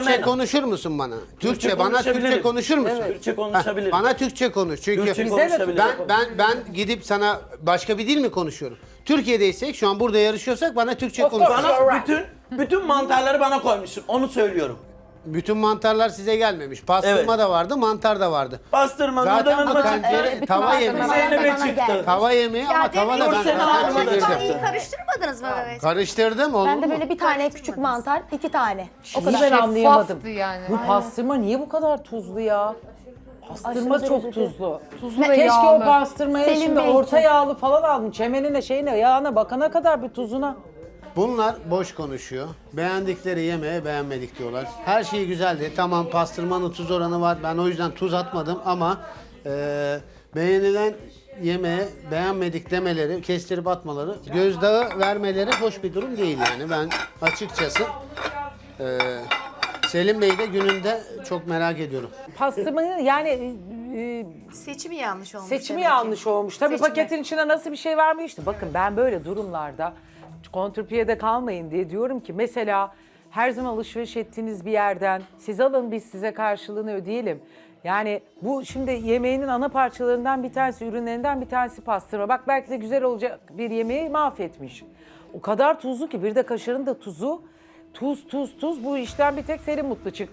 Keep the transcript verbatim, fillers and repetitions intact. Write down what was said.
fenomen. konuşur musun bana? Türkçe, bana konuşabilirim. Türkçe konuşur musun? Evet. Türkçe konuşabilirim. Heh, bana Türkçe konuş. Çünkü Türkçe Bize de konuşabilirim. ben ben ben gidip sana başka bir dil mi konuşuyorum? Türkiye'deysek şu an burada yarışıyorsak bana Türkçe Of konuş. course. Bana bütün bütün mantarları bana koymuşsun. Onu söylüyorum. Bütün mantarlar size gelmemiş. Pastırma Evet. da vardı, mantar da vardı. Bastırma, Zaten Nurdan bu Hanım'a tencere çıktı. tava pastırma yemeği. bana Zeynep'e bana çıktı. geldi. Tava yemeği ama tava da ben Nursel zaten Hanım'a da çevirdim. çıktı. Karıştırmadınız mı evet? Karıştırdım olur Ben de mu? böyle bir tane küçük mantar, iki tane. O Hiç kadar. ben anlayamadım. Şeffaftı yani. Bu pastırma niye bu kadar tuzlu ya? Pastırma Aşırı çok derecede. tuzlu. Tuzlu ve Keşke yağlı. o pastırmaya Selim şimdi Bey orta için. yağlı falan aldım. Çemenine şeyine yağına bakana kadar bir tuzuna. Bunlar boş konuşuyor. Beğendikleri yemeğe beğenmedik diyorlar. Her şey güzeldi. Tamam pastırmanın tuz oranı var. Ben o yüzden tuz atmadım ama e, beğenilen yemeğe beğenmedik demeleri, kestirip atmaları, gözdağı vermeleri hoş bir durum değil yani. Ben açıkçası e, Selim Bey'i de gününde çok merak ediyorum. Pastırmanın yani e, Seçimi yanlış olmuş. seçimi demek ki. yanlış olmuş. Tabii Seçimi. paketin içine nasıl bir şey vermişti. Bakın ben böyle durumlarda kontrpiyede kalmayın diye diyorum ki mesela her zaman alışveriş ettiğiniz bir yerden siz alın biz size karşılığını ödeyelim. Yani bu şimdi yemeğinin ana parçalarından bir tanesi, ürünlerinden bir tanesi pastırma. Bak belki de güzel olacak bir yemeği mahvetmiş. O kadar tuzlu ki bir de kaşarın da tuzu. Tuz, tuz, tuz. Bu işten bir tek Selim mutlu çıktı.